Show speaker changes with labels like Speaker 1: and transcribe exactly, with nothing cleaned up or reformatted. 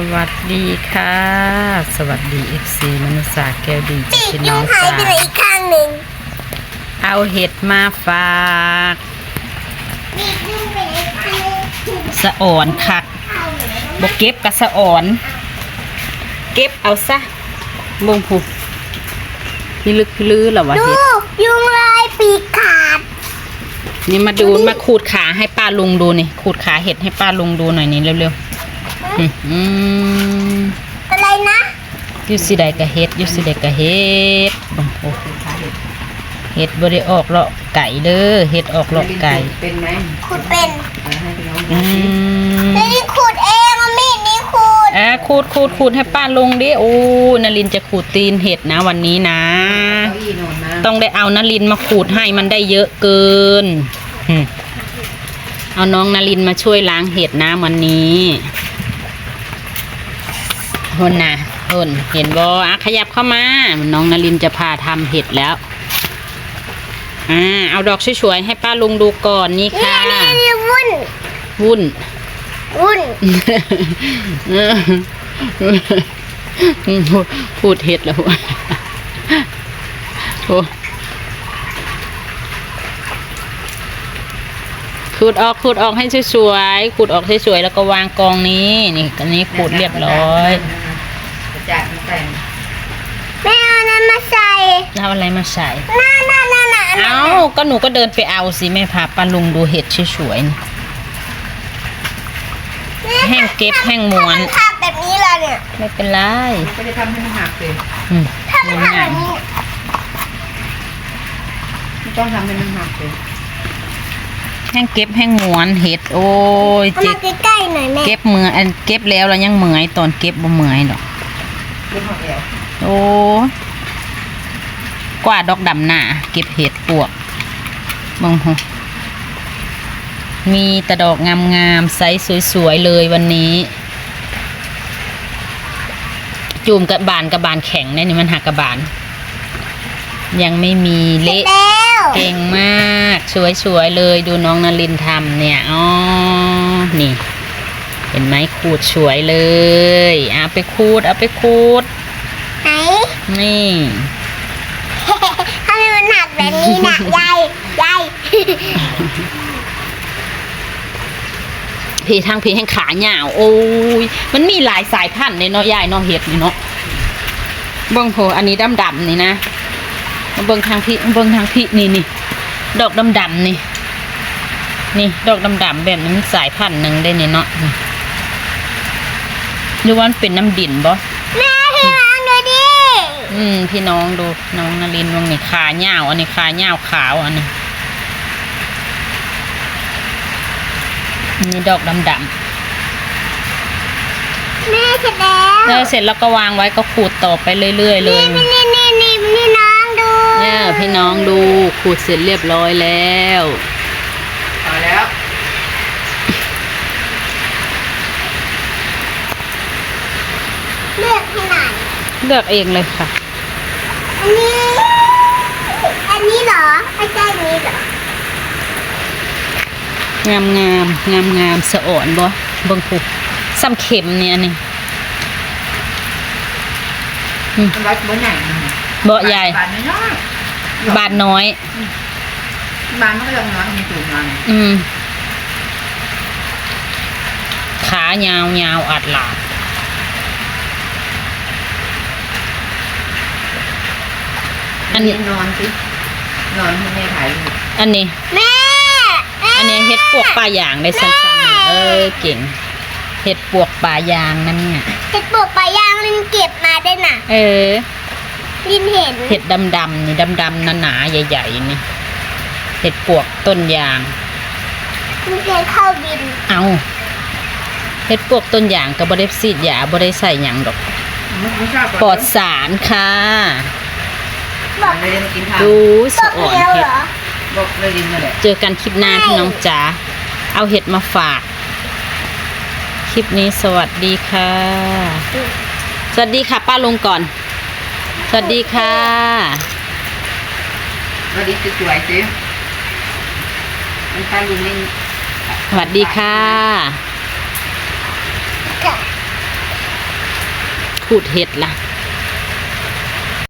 Speaker 1: วัสดีค่ะสวัสดีเอฟซีมนุษย์ศาสตร์แก้วดี
Speaker 2: ปีก
Speaker 1: พี่
Speaker 2: ยุ
Speaker 1: น้อง ง
Speaker 2: หาย
Speaker 1: จ้า
Speaker 2: ไปเลยอีกข้างหนึ่ง
Speaker 1: เอาเห็ดมาฝาก
Speaker 2: ปีกยุงไปเลยอีกข้างหนึ่ง
Speaker 1: สะอ่อนคักบกเก็บกับสะอ่อน เก็บเอาซะบงผูพี่ลึกพี่ลื้อเหรอวะ
Speaker 2: ดู
Speaker 1: เห็ด
Speaker 2: ยุงลายปีกขาด
Speaker 1: นี่มาดูมาขูดขาให้ป้าลุงดูนี่ขูดขาเห็ดให้ป้าลุงดูหน่อยนี่เร็วๆอืมอืม
Speaker 2: อะไรนะ
Speaker 1: อยูสิได้กะเห็ดอยูสิได้กะเห็ดโอ้โหเห็ดบริออกเลาะไก่เด้อเห็ดออกเลาะไก่
Speaker 3: เป็นไหม
Speaker 2: ขุดเป็น
Speaker 3: เอาให้พี่น้องดู
Speaker 1: อืม
Speaker 2: แล้วนี่ขุดเองเอามีดนี่ขุด
Speaker 1: อ่ะขูดขูดขูดให้ป้าลุงดิโอ้นลินจะขูดตีนเห็ดนะวันนี้นะ
Speaker 3: เก้าอี้นอนมา
Speaker 1: ต้องได้เอานลินมาขูดให้มันได้เยอะเกินอืมเอาน้องนลินมาช่วยล้างเห็ดนะวันนี้ทนนะทนเห็นบอ่ะขยับเข้ามาน้องนลินจะพาทำเห็ดแล้วอ่าเอาดอกสวยๆให้ป้าลุงดูก่อนนี่
Speaker 2: นี่
Speaker 1: ค่ะ
Speaker 2: นี่นี่วุ่น
Speaker 1: วุ่น
Speaker 2: วุ่น
Speaker 1: พูดเห็ดแล้วโอ้ขูดออกขูดออกให้สวยๆขูดออกสวยๆแล้วก็วางกองนี้นี่อันนี้ขูดเรียบร้อย
Speaker 3: กระจาดมาใส่
Speaker 2: แม่เอานั้นมาใส่
Speaker 1: แล้วเอาอะไรมาใส่
Speaker 2: น่าน่าน่าน่า
Speaker 1: เอ้าก็หนูก็เดินไปเอาสิแม่พาป้าลุงดูเห็ดสวยๆนี่ แห้งเก็บแห้งม้วน
Speaker 2: ถ้ามันขาดแบบนี้ล่ะเนี่ย
Speaker 1: ไม่เป็นไร
Speaker 3: มันก็จะทำให้มันหักเลย
Speaker 1: อืม
Speaker 2: ถ้ามันขาดแบบนี้
Speaker 3: ไม่ต้องทำให้มันหักเลย
Speaker 1: แห้งเก็บแห้งม้วนเห็ดโอ้ย
Speaker 2: เอา
Speaker 1: เจ็
Speaker 2: มา
Speaker 1: บ
Speaker 2: ใกล้ๆหน่อยแม่
Speaker 1: เก็บมืออันเก็บแล้วเรายังเหมื่อยตอนเก็บบ่เหมื่อยหรอก
Speaker 3: เรื่องของแอว
Speaker 1: โอ้กว่าดอกดำหน้าเก็บเห็ดปวกมองหูมีแต่ดอกงามๆไซส์สวยๆเลยวันนี้ จูมกับบานกับบานแข็งเนี่ยนี่มันหักกับบาน ยังไม่มีเละ
Speaker 2: แล้ว
Speaker 1: เก่งมากสวยๆเลยดูน้องนลินทำเนี่ยอ๋อนี่เห็นไหมขูดสวยเลยเอาไปขูดเอาไปขูด
Speaker 2: ไหน
Speaker 1: นี่
Speaker 2: ทำไมมันหนักแบบนี้นะ ยายยาย
Speaker 1: พี่ทางพี่แห่งขาหยาวโอ้ยมันมีหลายสายพันธุ์เลยเนาะยายเนาะเห็ดนี่เนาะเบิ้งโหอันนี้ดำๆนี่นะเบิ้งทางพี่เบิ้งทางพี่นี่นี่ดอกดำๆนี่นี่ดอกดำๆแบบนี้มันสายพันธุ์หนึ่งได้เนี่ยเนาะนี่ดูว่ามันเป็นน้ำดินบ่
Speaker 2: แม่พี่น้องดูดิ
Speaker 1: อืมพี่น้องดูน้องนลินวงนี่ขาหยาวอันนี้ขาหยาวขาวอันนี้นี่ดอกดำๆ
Speaker 2: แม่เสร็จแล้ว
Speaker 1: แล้วเสร็จแล้วก็วางไว้ก็ขูดต่อไปเรื่อยๆเลย
Speaker 2: นี่นี่นี่นี่นี่น้องดู
Speaker 1: เนี่ยพี่น้องดูขูดเสร็จเรียบร้อยแล้ว
Speaker 3: พอแล้ว
Speaker 2: เลือกให้หน่อย
Speaker 1: เลือกเองเลยค่ะ
Speaker 2: อันนี้ อันนี้เหรอไม่ใช่อันนี้เหรอง
Speaker 1: ามงามงามงามๆสะอ่อนบ่เบิ่งผูซ้ำเข็มเนี่ยนี่
Speaker 3: มันรัดบนไหน
Speaker 1: บ่ใหญ่
Speaker 3: บานน้อย
Speaker 1: บาทน้อย
Speaker 3: บานมันก็ยังน้อยมีสูงมา
Speaker 1: อืมขายาวยาวอัดหลาด
Speaker 3: อันนี้นอนสินอนให้แม่ถ่ายรูป
Speaker 1: อันนี้
Speaker 2: แม่แม่
Speaker 1: อันนี้เฮ็ดปวกปลายางได้สั้นๆนี่เออเก่งเฮ็ดปวกปลายางนั่นเนี่ย
Speaker 2: เห็ดปลวกปลายางลินเก็บมาด้วยน่ะ
Speaker 1: เออ
Speaker 2: ลินเห็น
Speaker 1: เห็ดดำๆนี่ดำๆหนาๆใหญ่ๆนี่เห็ดปวกต้นยาง
Speaker 2: ลินเคยเข้าดิน
Speaker 1: เอาเห็ดปวกต้นยางก็บ่ได้ซีดยาบ่ได้ใส่หยังดอก
Speaker 3: ไม่ชอบ
Speaker 1: ปลอดสารค่ะ
Speaker 2: บอก
Speaker 3: เลยมากินข้าว
Speaker 1: ดู
Speaker 2: บ
Speaker 1: สะ
Speaker 2: อก
Speaker 1: อ่อน
Speaker 2: เดียว
Speaker 1: เห็
Speaker 2: เห
Speaker 1: ด
Speaker 2: รอ
Speaker 3: บอกเลยดินนั่นแหละ
Speaker 1: เจอกันคลิปหน้าพี่น้องจ๋าเอาเห็ดมาฝาก คลิปนี้สวัสดีค่ะ สวัสดีค่ะป้าลุงก่อน สวัสดีค่ะ
Speaker 3: วันนี้สวยๆสิมันตาลุงนี่
Speaker 1: สวัสดีค่ะ
Speaker 2: ค่ะ
Speaker 1: พูดเห็ดล่ะ